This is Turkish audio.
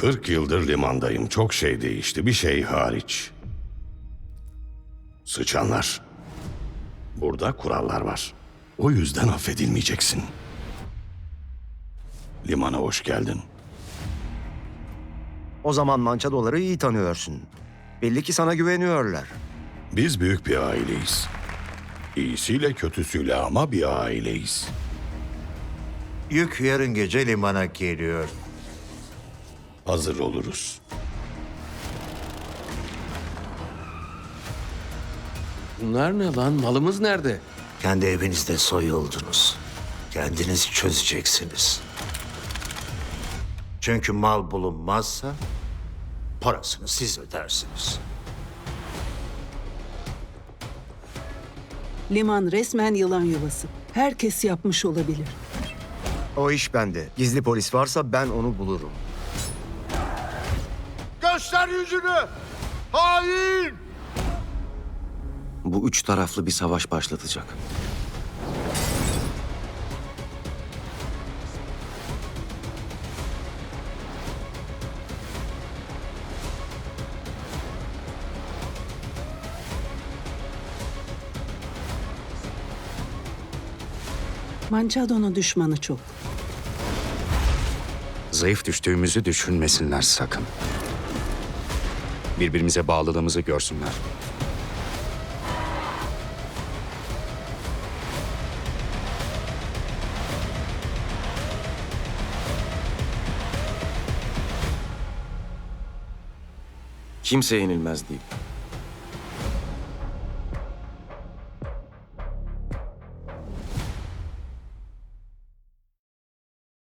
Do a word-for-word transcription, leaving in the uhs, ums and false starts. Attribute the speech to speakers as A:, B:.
A: Kırk yıldır limandayım. Çok şey değişti. Bir şey hariç. Sıçanlar. Burada kurallar var. O yüzden affedilmeyeceksin. Limana hoş geldin.
B: O zaman mançadoları iyi tanıyorsun. Belli ki sana güveniyorlar.
A: Biz büyük bir aileyiz. İyisiyle kötüsüyle ama bir aileyiz.
C: Yük yarın gece limana geliyor.
A: Hazır oluruz.
D: Bunlar ne lan? Malımız nerede?
C: Kendi evinizde soyuldunuz. Kendiniz çözeceksiniz. Çünkü mal bulunmazsa parasını siz ödersiniz.
E: Liman resmen yılan yuvası. Herkes yapmış olabilir.
B: O iş bende. Gizli polis varsa ben onu bulurum.
F: Göster yüzünü! Hain!
G: Bu üç taraflı bir savaş başlatacak.
E: Mançado'nun düşmanı çok.
H: Zayıf düştüğümüzü düşünmesinler sakın. Birbirimize bağlılığımızı görsünler.
G: Kimse yenilmez değil.